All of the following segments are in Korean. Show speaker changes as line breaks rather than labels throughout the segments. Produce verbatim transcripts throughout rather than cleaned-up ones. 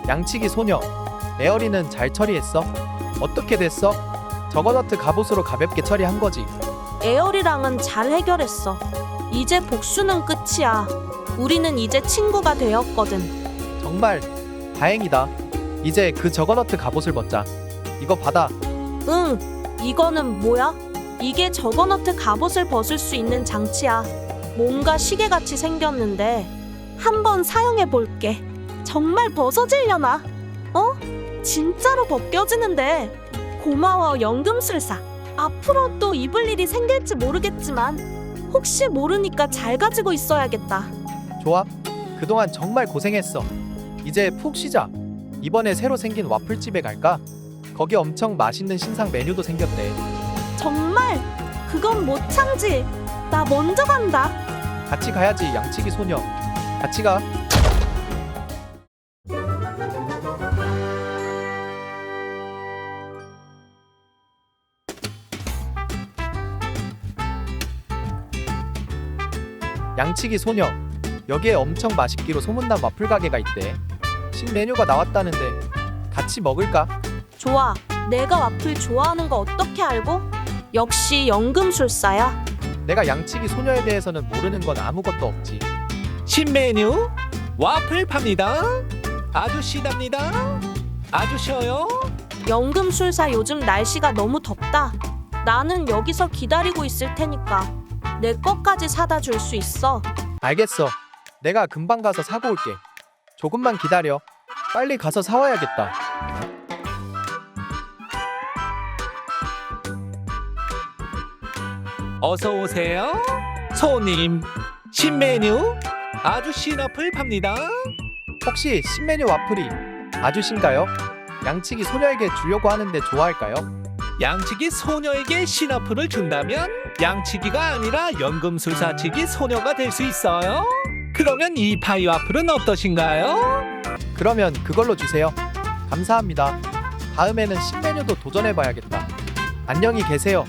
양치기 소녀, 에어리는 잘 처리했어? 어떻게 됐어? 저거너트 갑옷으로 가볍게 처리한 거지.
에어리랑은 잘 해결했어. 이제 복수는 끝이야. 우리는 이제 친구가 되었거든.
정말 다행이다. 이제 그 저거너트 갑옷을 벗자. 이거 받아.
응, 이거는 뭐야? 이게 저거너트 갑옷을 벗을 수 있는 장치야. 뭔가 시계같이 생겼는데 한번 사용해 볼게. 정말 벗어지려나? 어? 진짜로 벗겨지는데. 고마워 연금술사. 앞으로 또 입을 일이 생길지 모르겠지만 혹시 모르니까 잘 가지고 있어야겠다.
좋아. 그동안 정말 고생했어. 이제 푹 쉬자. 이번에 새로 생긴 와플집에 갈까? 거기 엄청 맛있는 신상 메뉴도 생겼대.
정말? 그건 못 참지. 나 먼저 간다.
같이 가야지 양치기 소녀. 같이 가. 양치기 소녀, 여기에 엄청 맛있기로 소문난 와플 가게가 있대. 신메뉴가 나왔다는데 같이 먹을까?
좋아. 내가 와플 좋아하는 거 어떻게 알고? 역시 연금술사야.
내가 양치기 소녀에 대해서는 모르는 건 아무것도 없지.
신메뉴 와플 팝니다. 아주 시답니다. 아주 쉬워요.
연금술사 요즘 날씨가 너무 덥다. 나는 여기서 기다리고 있을 테니까 내 것까지 사다 줄 수 있어.
알겠어. 내가 금방 가서 사고 올게. 조금만 기다려. 빨리 가서 사와야겠다.
어서 오세요. 손님, 신메뉴 아주 시나플 팝니다.
혹시 신메뉴 와플이 아주신가요? 양치기 소녀에게 주려고 하는데 좋아할까요?
양치기 소녀에게 시나플을 준다면 양치기가 아니라 연금술사치기 소녀가 될 수 있어요. 그러면 이 파이 와플은 어떠신가요?
그러면 그걸로 주세요. 감사합니다. 다음에는 신메뉴도 도전해봐야겠다. 안녕히 계세요.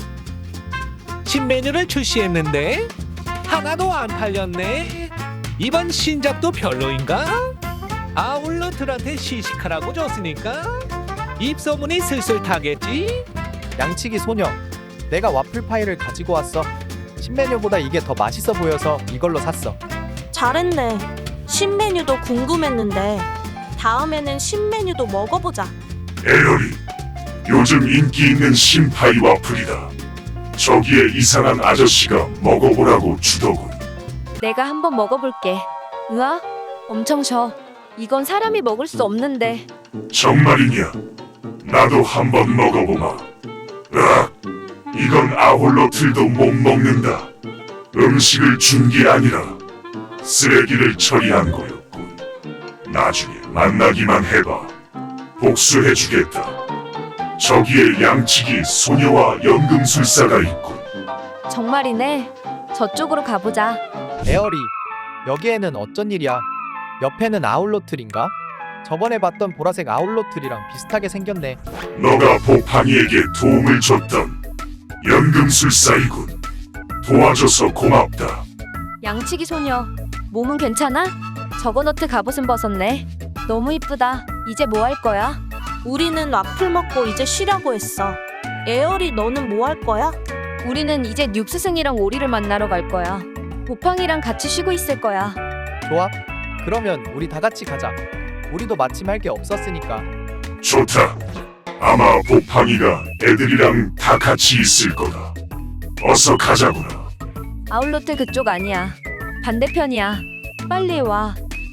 신메뉴를 출시했는데 하나도 안 팔렸네. 이번 신작도 별로인가? 아울러들한테 시식하라고 줬으니까 입소문이 슬슬 타겠지?
양치기 소녀, 내가 와플 파이를 가지고 왔어. 신메뉴보다 이게 더 맛있어 보여서 이걸로 샀어.
잘했네. 신메뉴도 궁금했는데 다음에는 신메뉴도 먹어보자.
에어리, 요즘 인기 있는 신파이 와플이다. 저기에 이상한 아저씨가 먹어보라고 주더군.
내가 한번 먹어볼게. 으아, 엄청 셔. 이건 사람이 먹을 수 없는데.
정말이냐? 나도 한번 먹어보마. 으악, 이건 아홀로틀도 못 먹는다. 음식을 준 게 아니라 쓰레기를 처리한 거였군. 나중에 만나기만 해봐. 복수해주겠다. 저기에 양치기 소녀와 연금술사가 있군.
정말이네. 저쪽으로 가보자.
에어리, 여기에는 어쩐 일이야? 옆에는 아울로틀인가? 저번에 봤던 보라색 아울로틀이랑 비슷하게 생겼네.
너가 보팡이에게 도움을 줬던 연금술사이군. 도와줘서 고맙다.
양치기 소녀, 몸은 괜찮아? 저거너트 갑옷은 벗었네. 너무 이쁘다. 이제 뭐 할 거야?
우리는 와플 먹고 이제 쉬려고 했어. 에어리 너는 뭐 할 거야?
우리는 이제 뉴스승이랑 오리를 만나러 갈 거야. 보팡이랑 같이 쉬고 있을 거야.
좋아. 그러면 우리 다 같이 가자. 우리도 마침 할 게 없었으니까.
좋다. 아마 보팡이가 애들이랑 다 같이 있을 거다. 어서 가자구나.
아울로트 그쪽 아니야. 반대편이야. 빨리 와.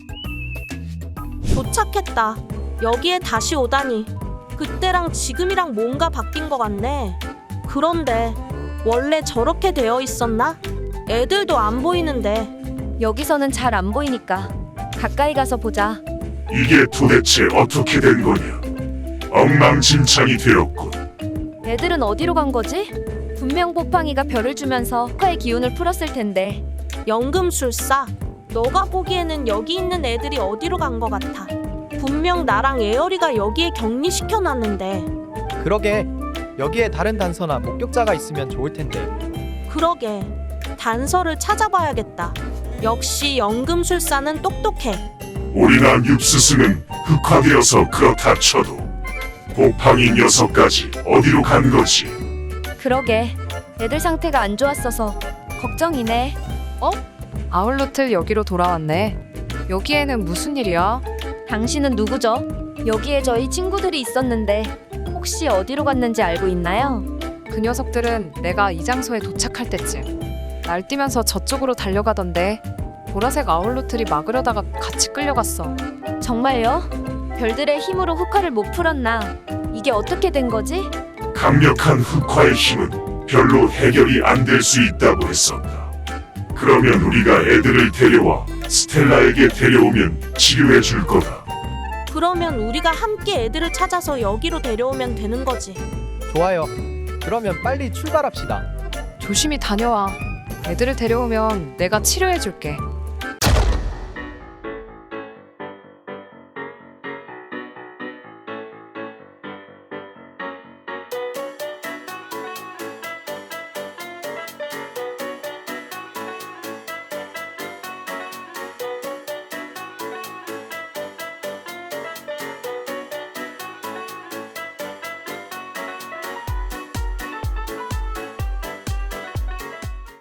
도착했다. 여기에 다시 오다니. 그때랑 지금이랑 뭔가 바뀐 것 같네. 그런데 원래 저렇게 되어 있었나? 애들도 안 보이는데.
여기서는 잘 안 보이니까 가까이 가서 보자.
이게 도대체 어떻게 된 거냐? 엉망진창이 되었군.
애들은 어디로 간 거지? 분명 보팡이가 별을 주면서 화의 기운을 풀었을 텐데.
연금술사, 너가 보기에는 여기 있는 애들이 어디로 간 것 같아. 분명 나랑 에어리가 여기에 격리시켜놨는데.
그러게. 여기에 다른 단서나 목격자가 있으면 좋을 텐데.
그러게. 단서를 찾아봐야겠다. 역시 연금술사는 똑똑해.
오리나 윕스승은 흑화되어서 그렇다 쳐도 곰팡이 녀석까지 어디로 간 거지?
그러게. 애들 상태가 안 좋았어서 걱정이네.
아울루트 여기로 돌아왔네. 여기에는 무슨 일이야?
당신은 누구죠? 여기에 저희 친구들이 있었는데 혹시 어디로 갔는지 알고 있나요?
그 녀석들은 내가 이 장소에 도착할 때쯤 날뛰면서 저쪽으로 달려가던데 보라색 아울루트리 막으려다가 같이 끌려갔어.
정말요? 별들의 힘으로 흑화를 못 풀었나? 이게 어떻게 된 거지?
강력한 흑화의 힘은 별로 해결이 안 될 수 있다고 했었다. 그러면 우리가 애들을 데려와 스텔라에게 데려오면 치료해 줄 거다.
그러면 우리가 함께 애들을 찾아서 여기로 데려오면 되는 거지.
좋아요. 그러면 빨리 출발합시다.
조심히 다녀와. 애들을 데려오면 내가 치료해줄게.